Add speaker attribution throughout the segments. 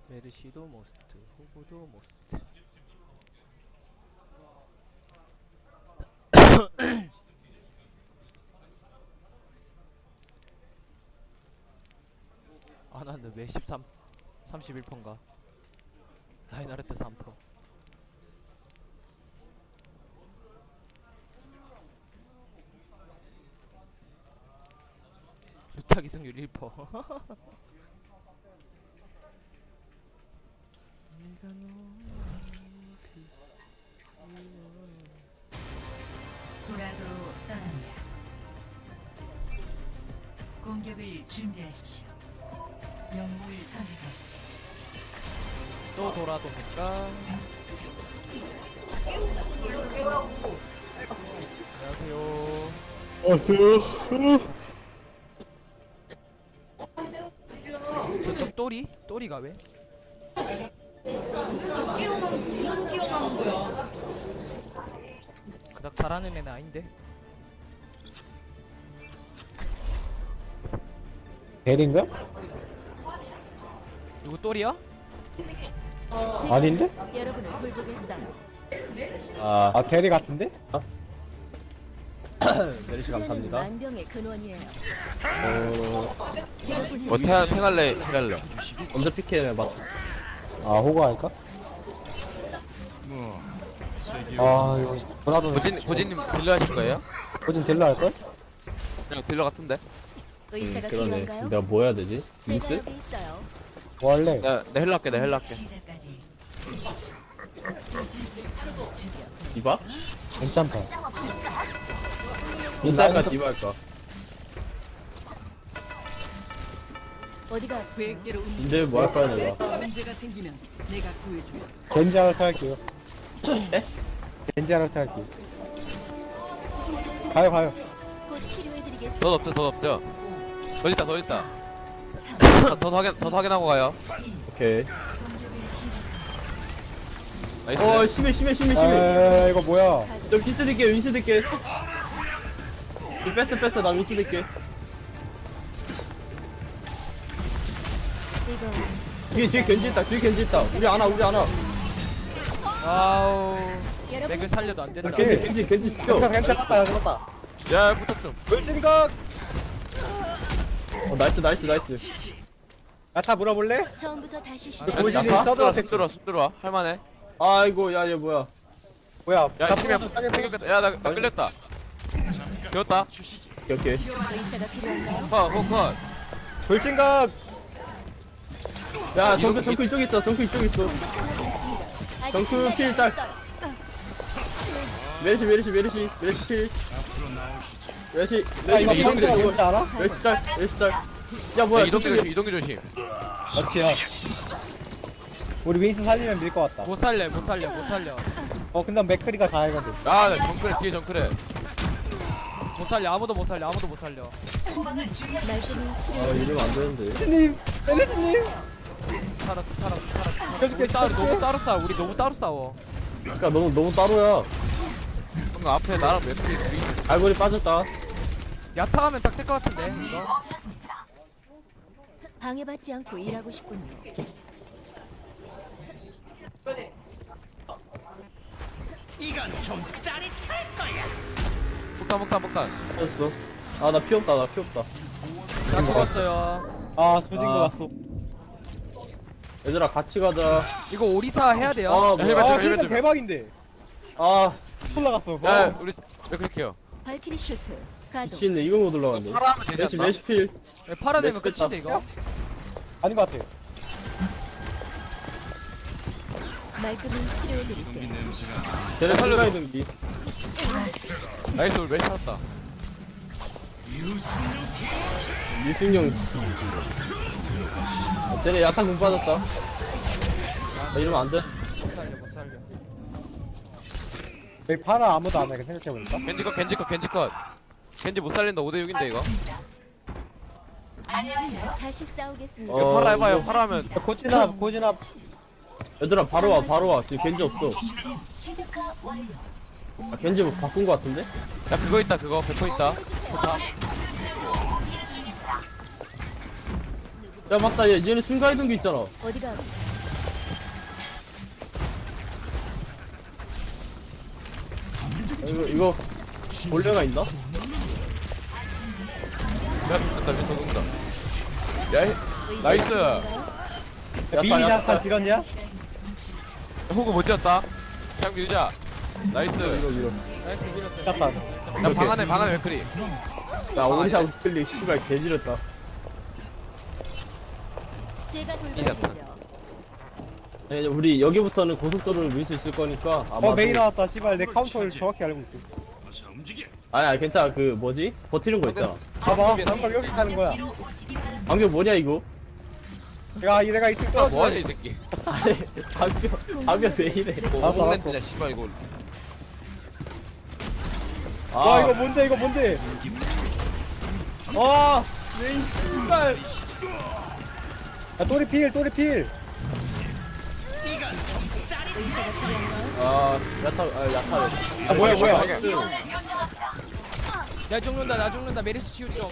Speaker 1: 메르시도 모스트, 호구도 모스트. 아, 나는 왜 31%인가? 라인하르트 3%. 루타 기승률 1%. 네가
Speaker 2: 도라도로 떠납니다. 공격을 준비하십시오. 영웅을 선택하십시오.
Speaker 1: 또 돌아도니까. 안녕하세요. 저쪽 또리가 왜? 그닥 잘하는 애는 아닌데.
Speaker 3: 벨인가?
Speaker 1: 누구 또리야?
Speaker 3: 아닌데?
Speaker 2: 여러분을 돌보겠어요.
Speaker 3: 아 대리 같은데?
Speaker 4: 메리시 감사합니다.
Speaker 2: 만병의 근원이에요.
Speaker 4: 뭐 탱할래 힐할래. 먼저 피케 맞춰.
Speaker 3: 아 호구 할까? 아 이거 보라도
Speaker 4: 고진님 딜러 하실 거예요?
Speaker 3: 고진 딜러 할걸?
Speaker 4: 그냥 딜러 같은데.
Speaker 2: 의사가
Speaker 4: 그러네.
Speaker 2: 필요한가요?
Speaker 4: 내가 뭐 해야 되지?
Speaker 2: 제가
Speaker 4: 윈스?
Speaker 2: 여기 있어요.
Speaker 3: 뭐 할래?
Speaker 4: 나 힐러 할게. 나 힐러 할게.
Speaker 2: 시작까지.
Speaker 4: 디바?
Speaker 3: 괜찮다.
Speaker 4: 윈스 할까 디바 할까?
Speaker 2: 어디가 아프세요?
Speaker 4: 근데 뭐 할 거야 내가?
Speaker 3: 겐지 하르트 할게요. 겐지 하르트 할게요. 가요.
Speaker 2: 곧 치료해드리겠습니다.
Speaker 4: 더 없죠. 더 있다. 더 확인하고 가요. 오케이. 나이스. 심해.
Speaker 3: 아 이거 뭐야?
Speaker 4: 저 윈스 들게. 뺐어. 나 윈스 들게.
Speaker 2: 이거
Speaker 4: 뒤에 견지 있다. 우리 안와.
Speaker 1: 아우.
Speaker 2: 여러분
Speaker 1: 맥을 살려도 안 된다.
Speaker 3: 오케이.
Speaker 4: 견지
Speaker 3: 괜찮았다.
Speaker 4: 야, 붙었어.
Speaker 3: 물진각.
Speaker 4: 나이스.
Speaker 3: 야타 물어볼래?
Speaker 2: 처음부터 다시
Speaker 3: 아,
Speaker 2: 시작.
Speaker 3: 고진이 서드 어택
Speaker 4: 쑥 들어와. 할만해. 아이고, 야, 얘 뭐야?
Speaker 3: 뭐야?
Speaker 4: 야,
Speaker 3: 다
Speaker 4: 심해.
Speaker 3: 풀었어,
Speaker 4: 생겼다. 야, 나 끌렸다. 되었다. 오케이.
Speaker 2: 의사가 필요한가요?
Speaker 4: 컷.
Speaker 3: 돌진각.
Speaker 4: 야, 정크 이쪽 있어. 정크 필 짤. 메리시 필.
Speaker 3: 야 이거
Speaker 4: 이동기
Speaker 3: 방금
Speaker 4: 조심.
Speaker 3: 뭔지 알아?
Speaker 4: 메리시 짤. 야, 뭐야?
Speaker 5: 이동기 조심.
Speaker 3: 맞지야. 우리 윈스 살리면 밀 것 같다.
Speaker 1: 못 살려.
Speaker 3: 근데 맥크리가 다 해거든.
Speaker 4: 아, 나 뒤에 정크래.
Speaker 1: 못 살려. 아무도 못 살려.
Speaker 2: 말씀이 치료.
Speaker 4: 이러면 안 되는데.
Speaker 3: 메리스님, 메리스님.
Speaker 1: 살아.
Speaker 3: 해줄게,
Speaker 1: 너무 따로 싸워. 우리 너무 따로 싸워.
Speaker 4: 그러니까 너무 따로야. 뭔가 앞에 나랑 맥클이 둘이. 알고리 빠졌다.
Speaker 1: 야타하면 딱 될 것 같은데. 이거.
Speaker 2: 방해받지 않고 일하고 싶군요.
Speaker 4: 폭탄. 빠졌어. 아, 나 피 없다.
Speaker 1: 나 죽었어요.
Speaker 3: 아 조진 거
Speaker 4: 아.
Speaker 3: 같어.
Speaker 4: 얘들아, 같이 가자.
Speaker 1: 이거 오리사 해야 돼요.
Speaker 4: 아,
Speaker 3: 아
Speaker 4: 뭐야.
Speaker 3: 그러니까 대박인데.
Speaker 4: 아,
Speaker 3: 올라갔어.
Speaker 4: 야, 우리 맥클릭해요.
Speaker 2: 발키리 슈트. 가동.
Speaker 4: 미친네, 이거 못 올라갔네. 메시 필.
Speaker 1: 팔아내면
Speaker 4: 메스
Speaker 1: 끝인데 이거.
Speaker 3: 아닌 것 같아.
Speaker 2: 말끔히 치료해드릴게요.
Speaker 4: 쟤네 살려야 등기. 나이스, 우리 메시 살았다. 유승용. 쟤네 야탄 공 빠졌다. 나 이러면 안 돼.
Speaker 1: 못 살려.
Speaker 3: 여기 파라 아무도 안 해. 생각해보니까.
Speaker 4: 겐지 컷. 겐지 못 살린다. 5대6인데 이거.
Speaker 2: 다시 싸우겠습니다.
Speaker 4: 이거 팔아 해봐요. 팔아 하면.
Speaker 3: 야, 고진아.
Speaker 4: 얘들아, 바로 와. 지금 겐지 없어. 아, 겐지 뭐 바꾼 거 같은데? 야, 그거 있다. 그거 100% 있다. 좋다. 야, 맞다. 얘네 순간이동기 있잖아.
Speaker 2: 어디가 아프세요?
Speaker 4: 이거 볼레가 있나?
Speaker 5: 야 죽겠다 미쳐 죽는다 야 나이스
Speaker 3: 미니 자탄 지렸냐?
Speaker 5: 호구 못 지었다 그냥 밀자 나이스
Speaker 1: 나이스 밀었어요.
Speaker 3: 자탄.
Speaker 5: 나 방 안에 맥크리
Speaker 4: 야 오리샤 클릭 씨발 개지렸다.
Speaker 2: 제가
Speaker 5: 이겼다.
Speaker 2: 돌봐드리죠.
Speaker 4: 네, 우리 여기부터는 고속도로를 밀 수 있을 거니까 아마
Speaker 3: 메이 나왔다. 씨발 내 카운터를 정확히 알고 있어.
Speaker 4: 아니 괜찮아. 그 뭐지? 버티는 거 있잖아.
Speaker 3: 봐봐. 방금 여기 가는 거야.
Speaker 4: 방금 뭐냐 이거?
Speaker 3: 야 내가 이쪽
Speaker 5: 아 뭐하냐
Speaker 3: 떨어져.
Speaker 5: 이 새끼
Speaker 4: 아니 방금 왜 이래?
Speaker 3: 알았어, 알았어.
Speaker 5: 진짜 씨발 이거
Speaker 3: 와 이거 뭔데 이거 뭔데?
Speaker 4: 와 메이 씨발.
Speaker 3: 야 또리 필 또리 필.
Speaker 2: 의사가 필요한가요?
Speaker 4: 아 야타.
Speaker 3: 아 뭐야 뭐야.
Speaker 1: 나 죽는다 나 죽는다 메리스 치우리 좀.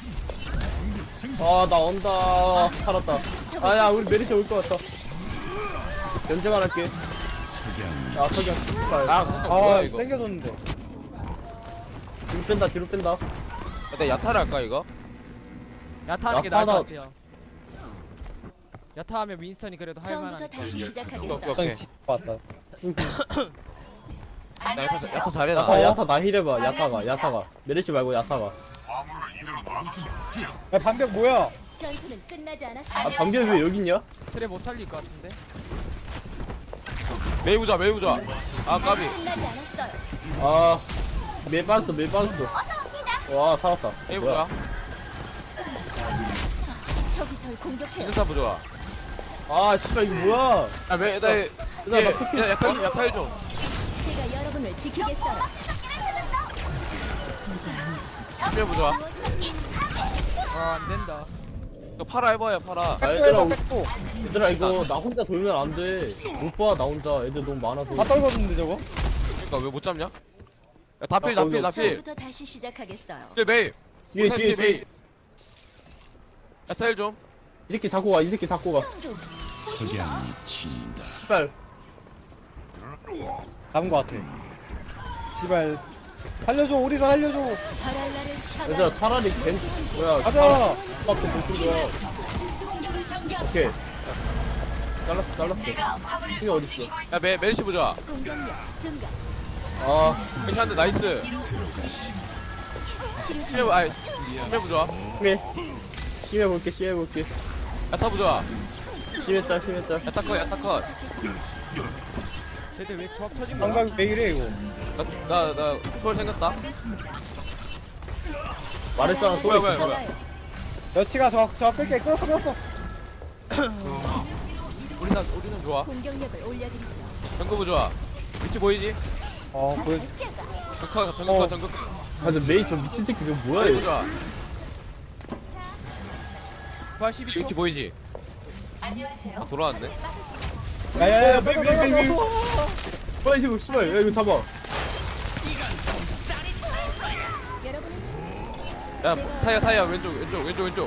Speaker 4: 아나 온다. 살았다. 아야 우리 메리시 올 것 같다. 견제만 할게. 야 석영 씨발.
Speaker 5: 아 잠깐 뭐야
Speaker 3: 아
Speaker 5: 이거
Speaker 3: 땡겨줬는데.
Speaker 4: 뒤로 뺀다.
Speaker 5: 나 야타를 할까 이거?
Speaker 1: 야타하는 게 나을 것
Speaker 4: 야타다.
Speaker 1: 같아요. 야타하면 윈스턴이 그래도 할
Speaker 2: 처음부터
Speaker 1: 만한.
Speaker 2: 다시
Speaker 5: 오케이
Speaker 2: 시작하겠어.
Speaker 5: 오케이
Speaker 3: 형 왔다.
Speaker 5: 나 야타 잘해 나
Speaker 4: 야타 나 힐해봐. 야타가 메리시 말고 야타가.
Speaker 3: 야 반벽 뭐야?
Speaker 2: 전투는 끝나지
Speaker 4: 아
Speaker 2: 않았어요.
Speaker 4: 방금 왜 여기 있냐?
Speaker 1: 트레 못 살릴 것 같은데.
Speaker 5: 메이 부자 아 까비
Speaker 2: 끝나지 않았어요.
Speaker 4: 아 메 빠졌어. 와 살았다.
Speaker 5: 메이
Speaker 4: 뭐야?
Speaker 5: 부자
Speaker 2: 적이 절 공격해요.
Speaker 5: 인사 부자
Speaker 4: 아 씨발 이거 뭐야?
Speaker 5: 나 야타 해줘
Speaker 2: 제가 여러분을 지키겠어요.
Speaker 5: 메이 부자
Speaker 1: 아안 된다.
Speaker 5: 이거 팔아 해봐요 팔아
Speaker 3: 백도
Speaker 4: 얘들아,
Speaker 3: 해봐 백도.
Speaker 4: 얘들아 이거 나 혼자 돌면 안 돼. 못 봐 나 혼자. 애들 너무 많아서.
Speaker 3: 다 떨궜는데 저거?
Speaker 5: 그니까 왜 못 잡냐? 야 다필
Speaker 2: 처음부터 다시 시작하겠어요.
Speaker 5: 메이
Speaker 4: 뒤에
Speaker 5: 메이 야타 힐좀
Speaker 4: 이 새끼 잡고 가. 씨발.
Speaker 3: 잡은 거 같아. 씨발 살려줘 우리가 살려줘.
Speaker 2: 바랄라를
Speaker 4: 얘들아
Speaker 2: 향하여
Speaker 4: 차라리 뭐야?
Speaker 3: 가자.
Speaker 4: 밖에 못 죽여. 오케이. 잘랐어. 힘이 어딨어?
Speaker 5: 야 메리시 부자
Speaker 2: 공격력 증가.
Speaker 4: 아
Speaker 5: 괜찮은데 나이스
Speaker 2: 치료 중.
Speaker 5: 메이 부자
Speaker 4: 심해볼게.
Speaker 5: 야타 부자
Speaker 4: 심했짤.
Speaker 5: 야타 컷
Speaker 1: 쟤들 왜 조합 터진 거야?
Speaker 3: 방금 왜 이래 이거?
Speaker 5: 나 초월 생겼다
Speaker 4: 말했잖아 또.
Speaker 5: 뭐야
Speaker 3: 여치가 저 뺄게 끌었어.
Speaker 5: 우리는 좋아
Speaker 2: 공격력을 올려드리죠.
Speaker 5: 정크부 좋아 위치 보이지?
Speaker 3: 보여.
Speaker 5: 정크
Speaker 4: 맞아 메이 저 미친 새끼 저거 뭐야
Speaker 5: 메이
Speaker 4: 얘.
Speaker 5: 좋아
Speaker 1: 부활 12초.
Speaker 5: 위치 보이지? 돌아왔네
Speaker 3: 야야야
Speaker 4: 메이. 뭐야 이거 씨발. 야 이거 잡아.
Speaker 2: 여러분은
Speaker 5: 야 타이어 왼쪽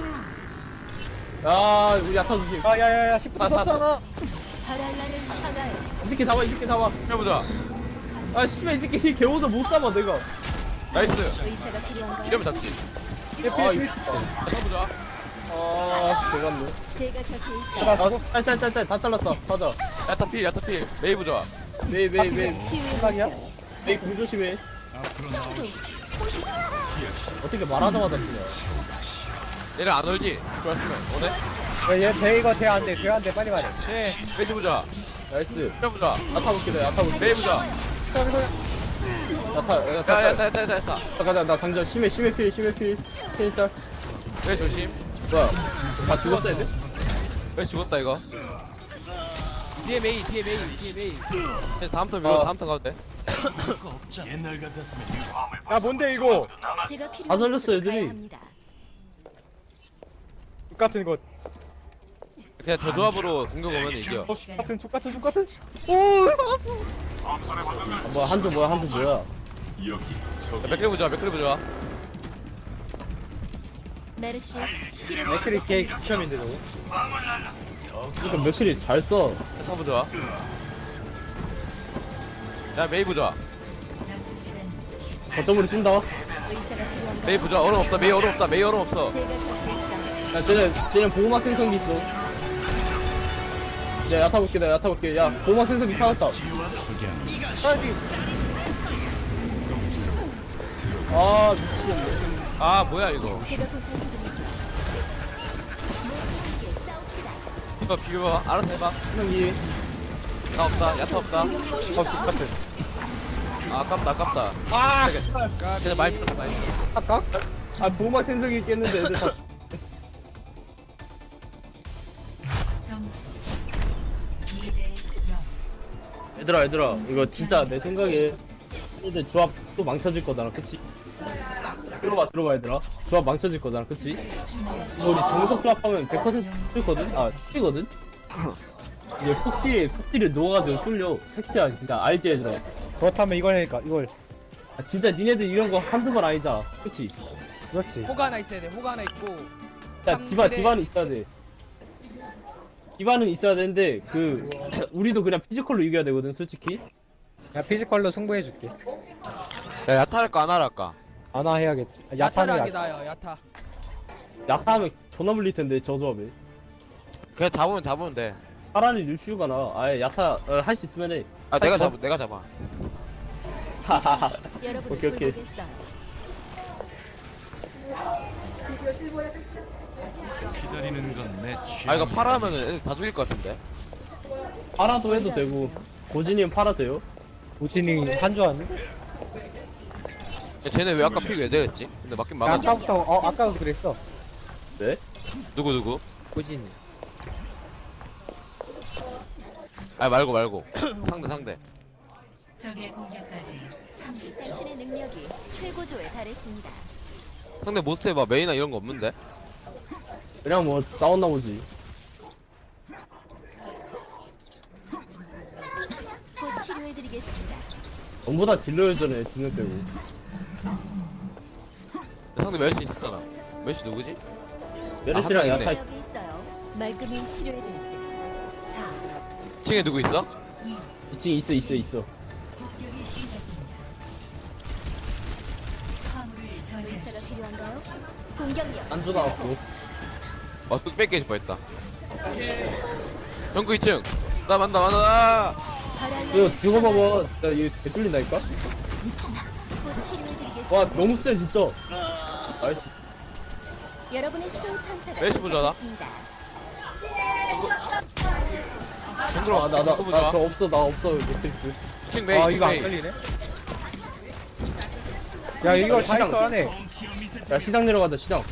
Speaker 4: 야 우리 야타 조심.
Speaker 3: 야야야야 10분 썼잖아.
Speaker 2: 바랄라를 향하여
Speaker 4: 이 새끼 잡아.
Speaker 5: 해보자
Speaker 4: 아 씨발 이 새끼 개워서 못 잡아 내가.
Speaker 5: 나이스
Speaker 2: 의사가 필요한가요?
Speaker 5: 이러면 잡지
Speaker 3: 예피
Speaker 5: 타보자
Speaker 4: 아 개같네.
Speaker 2: 제가 곁에 있어요.
Speaker 3: 나 저거
Speaker 4: 짤 다 잘랐다. 가자.
Speaker 5: 야타필 메이브 좋아
Speaker 4: 메이
Speaker 3: 생각이야?
Speaker 4: 메이 공 조심해. 어떻게 말하자마자 쓰냐.
Speaker 5: 얘를 안 얼지? 좋았으면 오네?
Speaker 3: 얘 이거 돼안돼 빨리 말해.
Speaker 1: 네.
Speaker 5: 메이브 보자
Speaker 4: 나이스.
Speaker 5: 해보자
Speaker 4: 야타 볼게.
Speaker 5: 메이브 좋아
Speaker 4: 야타. 가자. 나 장전 심해 필. 필짤.
Speaker 5: 메이 조심
Speaker 4: 뭐야? 다 죽었어 애들?
Speaker 5: 메이 죽었다 이거
Speaker 1: 뒤에 메이.
Speaker 5: 이제 다음부터 밀어 다음부터 가도 돼
Speaker 3: 야 뭔데 이거?
Speaker 2: 제가
Speaker 4: 다
Speaker 2: 필요한
Speaker 4: 살렸어,
Speaker 2: 곳으로
Speaker 4: 애들이.
Speaker 2: 가야 합니다.
Speaker 3: 똑같은 것.
Speaker 5: 그냥 저 조합으로 공격 오면 이겨
Speaker 3: 똑같은. 오 살았어.
Speaker 4: 뭐야 한조 뭐야?
Speaker 5: 맥크리 보자
Speaker 2: 메르시 치료
Speaker 3: 맥클이 개 극혐인데 저거.
Speaker 4: 이거 맥클이 잘 써.
Speaker 5: 야타 보자 야 메이브 좋아
Speaker 4: 거점으로 뛴다.
Speaker 2: 의사가 필요한가요?
Speaker 5: 메이 부자 얼음 없다. 메이 얼음 없다. 메이 얼음 없어.
Speaker 2: 제가 곁에 있어.
Speaker 4: 야 쟤는 보호막 생성기 있어. 야 야타 볼게 나 야타 볼게. 야 보호막 생성기 찾았다. 아 미치겠네.
Speaker 5: 아 뭐야 이거.
Speaker 2: 제가 보살펴드리죠. 모두에게 싸웁시다.
Speaker 5: 이거 비벼봐. 알아서 해봐.
Speaker 4: 형이
Speaker 5: 나 없다. 야타 없다.
Speaker 3: 똑같아.
Speaker 5: 아 아깝다 아깝다.
Speaker 4: 아
Speaker 5: 근데 많이 풀었다 많이.
Speaker 3: 아까?
Speaker 4: 아 보호막 생성기 깼는데 애들 다
Speaker 6: 점수 2대 0.
Speaker 4: 얘들아 이거 진짜 내 생각에 애들 조합 또 망쳐질 거잖아 그치? 들어봐 얘들아 조합 망쳐질 거잖아 그치? 이거 우리 정석 조합하면 100% 뚫거든? 아 뚫리거든? 이제 폭딜이 녹아가지고 뚫려 팩트야 진짜 알지 얘들아.
Speaker 3: 그렇다면 이걸
Speaker 4: 아, 진짜 니네들 이런 거 한두 번 아니잖아 그치?
Speaker 3: 그렇지.
Speaker 1: 호가 하나 있어야 돼. 호가 하나 있고.
Speaker 4: 야 디바는 있어야 돼. 디바는 있어야 되는데 그 우리도 그냥 피지컬로 이겨야 되거든 솔직히.
Speaker 3: 야 피지컬로 승부해줄게.
Speaker 5: 야 야타 할까 안 할까?
Speaker 3: 아나 해야겠지.
Speaker 1: 야타를
Speaker 3: 야타는
Speaker 1: 하게
Speaker 3: 야.
Speaker 1: 나요. 야타.
Speaker 4: 야타하면 존나 물릴 텐데 저 조합에.
Speaker 5: 그냥 잡으면 돼.
Speaker 4: 차라리 루시우가 나. 아예 야타 할 수 있으면 해.
Speaker 5: 아 내가 잡아.
Speaker 4: 하하하.
Speaker 2: 여러분을
Speaker 4: 오케이, 오케이.
Speaker 2: 돌보겠어요.
Speaker 5: 아 이거 파라 하면은 애들 다 죽일 것 같은데.
Speaker 4: 팔아도 해도 되고 고진이는 팔아 돼요?
Speaker 3: 우진이 한조 아니?
Speaker 5: 야, 쟤네 왜 아까 픽 왜 내렸지? 근데 맞긴
Speaker 3: 야,
Speaker 5: 막았.
Speaker 3: 아까도 그랬어.
Speaker 4: 네?
Speaker 5: 누구?
Speaker 3: 우진이.
Speaker 5: 아 말고. 상대.
Speaker 6: 적의 공격까지 30초.
Speaker 2: 당신의 능력이 최고조에 달했습니다.
Speaker 5: 상대 모스트 해봐. 메이나 이런 거 없는데.
Speaker 4: 그냥 뭐 싸웠나 보지.
Speaker 2: 곧 치료해드리겠습니다.
Speaker 4: 전부 다 딜러였잖아 딜러 빼고.
Speaker 5: 상대 멜시 있었잖아. 멜시 누구지?
Speaker 4: 메르시랑
Speaker 5: 한
Speaker 4: 야타
Speaker 5: 명이네.
Speaker 4: 있어.
Speaker 2: 여기 있어요. 말끔히 치료해드릴게요.
Speaker 6: 4.
Speaker 5: 층에 누구 있어?
Speaker 4: 2층 있어.
Speaker 6: 공격이 시작됩니다. 화물을 저지하십시오.
Speaker 2: 의사가 필요한가요? 공격력.
Speaker 4: 안주 나왔고.
Speaker 5: 뚝 뺏기 싶어했다. 정크 2층. 나 만다.
Speaker 4: 이거 이거 봐봐. 진짜 이거 개 뚫린다니까?
Speaker 2: 곧 치료해드리겠습니다.
Speaker 4: 와 너무 세 진짜. 나이스.
Speaker 2: 여러분의 수호 천사가
Speaker 5: 멜시 보자다.
Speaker 2: 도착했습니다.
Speaker 5: 정크로
Speaker 4: 나 저 없어 나 없어 매트릭스.
Speaker 5: 2층 메이.
Speaker 3: 아
Speaker 5: 2층
Speaker 3: 이거 안
Speaker 5: 메이.
Speaker 3: 걸리네. 야 이거 다
Speaker 4: 시장.
Speaker 3: 있어 안에.
Speaker 4: 야 시장 내려가자 시장.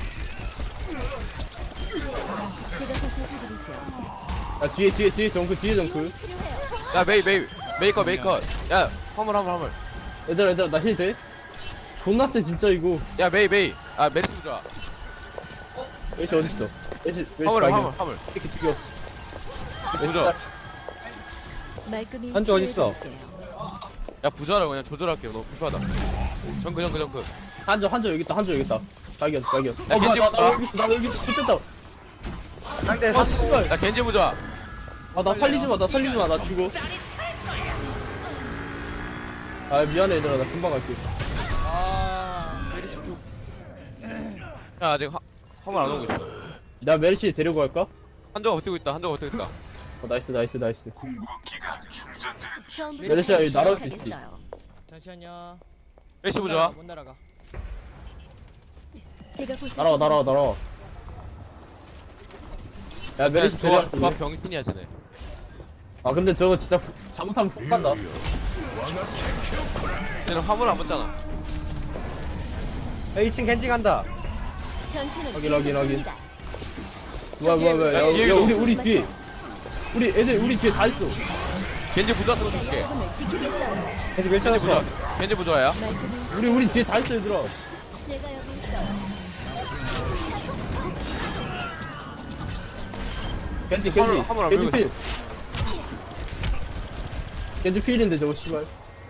Speaker 2: 제가 보살펴드리죠.
Speaker 4: 야 뒤에 정크 뒤에 정크.
Speaker 2: 필요해요.
Speaker 5: 야 메이컷. 야 화물.
Speaker 4: 얘들아 나 힐 돼? 존나 세 진짜 이거.
Speaker 5: 야 메이. 아 메리스 부자.
Speaker 4: 메시 어딨어? 메시
Speaker 5: 화물.
Speaker 4: 이렇게 죽여.
Speaker 5: 부자.
Speaker 2: 말끔히
Speaker 3: 한조 어딨어?
Speaker 2: 치료해드릴게요.
Speaker 5: 야 부자를 그냥 조절할게요. 너무 불편하다. 정크.
Speaker 4: 한조 여기 있다. 발견.
Speaker 5: 야,
Speaker 4: 뭐야
Speaker 5: 겐지
Speaker 4: 나 여기 있어. 좋겠다.
Speaker 3: 상대
Speaker 4: 아 씨발.
Speaker 5: 야 겐지 부자.
Speaker 4: 나 살리지 마. 나 죽어. 아 미안해 얘들아 나 금방 갈게.
Speaker 1: 메리시 쪽.
Speaker 5: 야 아직 화물 안 오고 있어.
Speaker 4: 나 메르시 데리고 갈까?
Speaker 5: 한조가 버티고 있다.
Speaker 4: 나이스.
Speaker 2: 처음부터
Speaker 4: 메르시아, 여기 날아올 수 있지.
Speaker 2: 시작하겠어요.
Speaker 1: 잠시만요.
Speaker 5: 메리시 부자.
Speaker 1: 못 날아가.
Speaker 2: 제가 보살펴드리죠.
Speaker 4: 날아와. 야 메르시 데려왔어.
Speaker 5: 조합 병신이야 쟤네.
Speaker 4: 아 근데 저거 진짜 잘못하면 훅 간다.
Speaker 5: 쟤는 화물 안 붙잖아.
Speaker 3: 야 2층 겐지 간다.
Speaker 2: 전투는
Speaker 4: 확인.
Speaker 2: 계속됩니다.
Speaker 4: 뭐야.
Speaker 5: 야, 뒤에
Speaker 4: 야
Speaker 5: 이거.
Speaker 4: 우리 뒤에. 우리 뒤에 다 있어.
Speaker 5: 겐지 부자 쓰고 줄게.
Speaker 2: 여러분을 지키겠어요.
Speaker 3: 겐지 밀쳐놨어.
Speaker 5: 겐지 부자야.
Speaker 2: 말끔히
Speaker 4: 우리 뒤에 다 있어 얘들아.
Speaker 2: 제가 여기 있어요.
Speaker 4: 겐지
Speaker 5: 화물 안 밀고
Speaker 4: 필. 겐지 필인데 저거 씨발.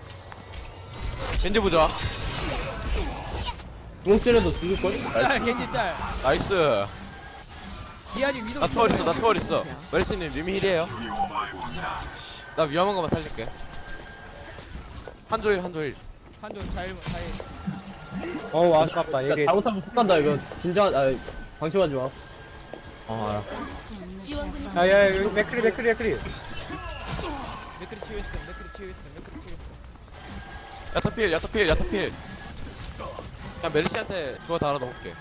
Speaker 5: 겐지 부자.
Speaker 4: 구멍째려도 죽을걸?
Speaker 1: 짤 겐지 짤.
Speaker 5: 나이스.
Speaker 1: 미아지 위도.
Speaker 5: 나 투월 있어. 메리스님 님이 힐이에요. 나 위험한 거만 살릴게. 한조일.
Speaker 1: 한조 잘.
Speaker 3: 어우 아깝다
Speaker 4: 진짜
Speaker 3: 얘게.
Speaker 4: 잘못하면 훅 간다 이거. 진짜 방심하지 마. 알아.
Speaker 2: 지원군이
Speaker 3: 야야 맥크리.
Speaker 1: 맥크리 치유했어. 맥크리 치유했어.
Speaker 5: 야타필. 그냥 메르시한테 주워 달아 넣을게.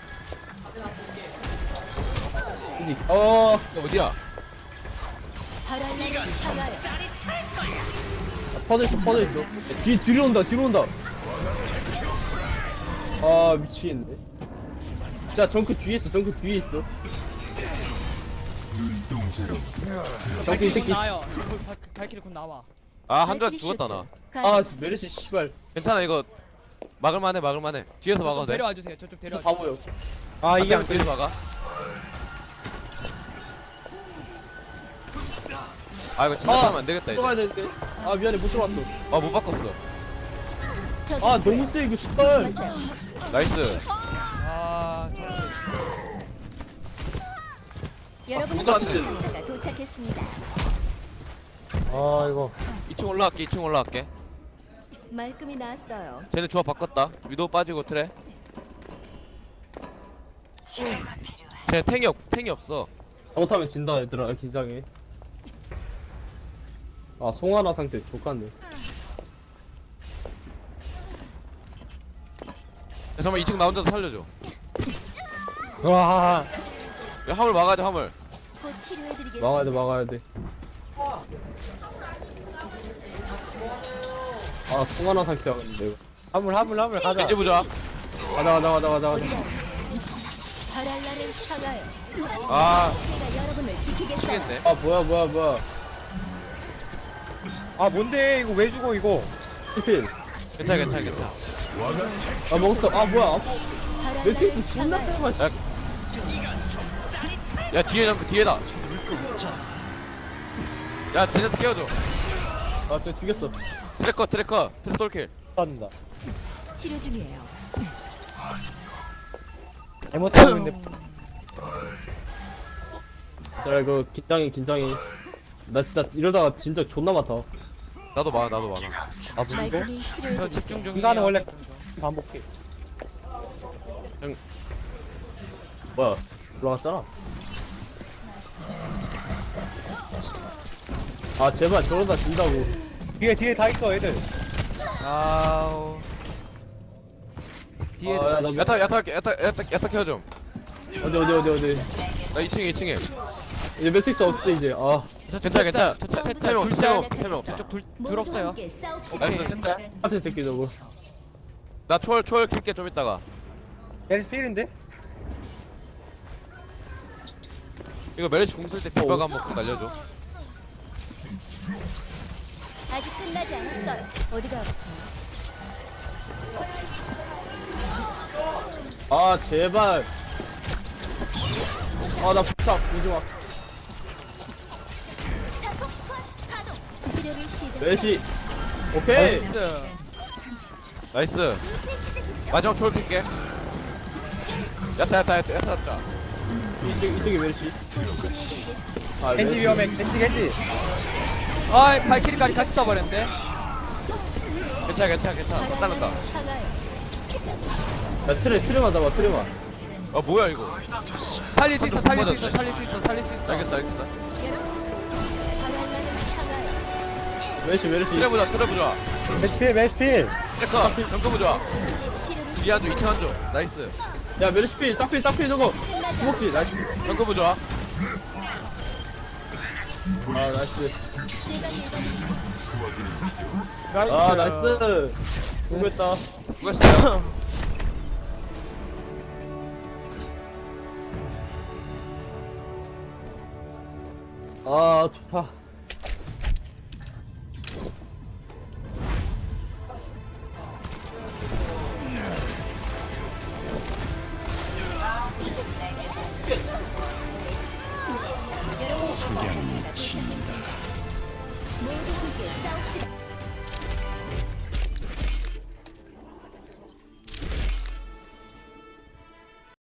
Speaker 4: 그지?
Speaker 5: 이거 어디야?
Speaker 2: 바랄라를 향하여
Speaker 4: 퍼져 있어. 뒤로 온다. 아 미치겠네. 자 정크 뒤에 있어. 정크 이 새끼.
Speaker 1: 나요. 발키리 곧 나와.
Speaker 5: 아 한조 죽었다 나.
Speaker 4: 아 메르시 씨발.
Speaker 5: 괜찮아 이거 막을만해. 뒤에서 막아도 돼.
Speaker 1: 데려와 주세요. 저쪽
Speaker 4: 저
Speaker 1: 데려와.
Speaker 4: 바보요.
Speaker 3: 아 이게 안
Speaker 5: 뒤에서 막아. 아 이거 장난하면 안 되겠다 이제.
Speaker 4: 들어가야 되는데. 아 미안해 못 들어왔어.
Speaker 5: 아못 바꿨어.
Speaker 4: 아 너무 세 이거 씨발.
Speaker 5: 나이스.
Speaker 1: 아
Speaker 2: 여러분의
Speaker 4: 누가 왔지?
Speaker 2: 전사가 도착했습니다.
Speaker 3: 아 이거
Speaker 5: 2층 올라갈게.
Speaker 2: 말끔히 나왔어요.
Speaker 5: 쟤네 조합 바꿨다. 위도 빠지고 트레. 쟤 탱이 없어.
Speaker 4: 잘못하면 진다 얘들아. 긴장해. 아 송하나 상태 족같네.
Speaker 5: 야, 잠깐만 2층 나 혼자서 살려줘.
Speaker 3: 와
Speaker 5: 야, 화물 막아야 돼 화물.
Speaker 2: 곧 치료해드리겠습니다.
Speaker 4: 막아야 돼. 아 송하나 상태야 근데 이거.
Speaker 3: 화물 가자.
Speaker 5: 이제 보자.
Speaker 4: 가자.
Speaker 2: 바랄라를 향하여
Speaker 5: 아
Speaker 2: 제가 여러분을 지키겠어요.
Speaker 5: 미치겠네.
Speaker 4: 아 뭐야.
Speaker 3: 아 뭔데 이거 왜 죽어 이거.
Speaker 4: 피필.
Speaker 5: 괜찮아.
Speaker 4: 아 먹었어. 아 뭐야.
Speaker 2: 바랄라를
Speaker 4: 매트릭스 존나
Speaker 2: 향하여
Speaker 4: 짧아.
Speaker 5: 야 뒤에 잠깐 뒤에다. 야 쟤네한테 깨워줘.
Speaker 4: 아저 죽였어.
Speaker 5: 트래커 트래솔킬.
Speaker 3: 쏜다.
Speaker 2: 치료 중이에요.
Speaker 3: 잘못하고 있는데.
Speaker 4: 자 이거 긴장해. 나 진짜 이러다가 진짜 존나 많다.
Speaker 5: 나도 많아.
Speaker 3: 아 이거
Speaker 2: 말끔히
Speaker 1: 저
Speaker 2: 치료해드리겠습니다.
Speaker 1: 집중 중이에요.
Speaker 3: 인간은 원래 반복해.
Speaker 4: 뭐야 올라갔잖아. 아 제발 저러다 진다고.
Speaker 3: 뒤에 다 있어 애들.
Speaker 1: 아우. 뒤에
Speaker 4: 아, 야, 나
Speaker 5: 야타 케어 좀.
Speaker 4: 어디
Speaker 5: 나 2층에.
Speaker 4: 이제 매트릭스 없지 이제. 아
Speaker 5: 괜찮아.
Speaker 2: 처음부터
Speaker 5: 세명 없어.
Speaker 1: 저쪽 둘
Speaker 2: 모두
Speaker 1: 없어요.
Speaker 2: 함께 싸웁시다.
Speaker 5: 나이스 셋다.
Speaker 4: 같은 새끼 저거.
Speaker 5: 나 초월 킬게 좀 이따가.
Speaker 3: 에리스 필인데?
Speaker 5: 이거 메르시 공 쓸 때 디바가 한번 꼭 날려줘.
Speaker 2: 아직 끝나지 않았어요. 어디가 아프세요?
Speaker 4: 아 제발. 아나 부착 오지마.
Speaker 2: 치료를 시작.
Speaker 4: 매시. 오케이.
Speaker 5: 나이스. 마지막 초월 킬게. 야타.
Speaker 4: 이쪽이 매시. 아
Speaker 3: 겐지 위험해. 겐지.
Speaker 1: 아 발키리까지 같이 써버렸는데.
Speaker 5: 괜찮아. 못 따른다.
Speaker 2: 향하여
Speaker 4: 야 트레만 잡아 트레만.
Speaker 5: 아 뭐야 이거.
Speaker 1: 살릴 수 있어.
Speaker 5: 맞았네.
Speaker 1: 알겠어.
Speaker 5: 알겠어.
Speaker 2: 바랄라를 향하여
Speaker 4: 매시.
Speaker 5: 트레 보자.
Speaker 3: 메스필.
Speaker 5: 트래커 점검 보자.
Speaker 2: 치료를
Speaker 5: 뒤에 한조 2층 한조. 나이스.
Speaker 4: 야 메르시 필 딱필 저거. 주먹지 나이스.
Speaker 5: 점검 보자.
Speaker 4: 아 나이스.
Speaker 2: 제가 예전에
Speaker 4: 아 나이스. 공했다.
Speaker 5: 수고했어요.
Speaker 4: 아 좋다.
Speaker 2: 모두 함께 싸웁시다.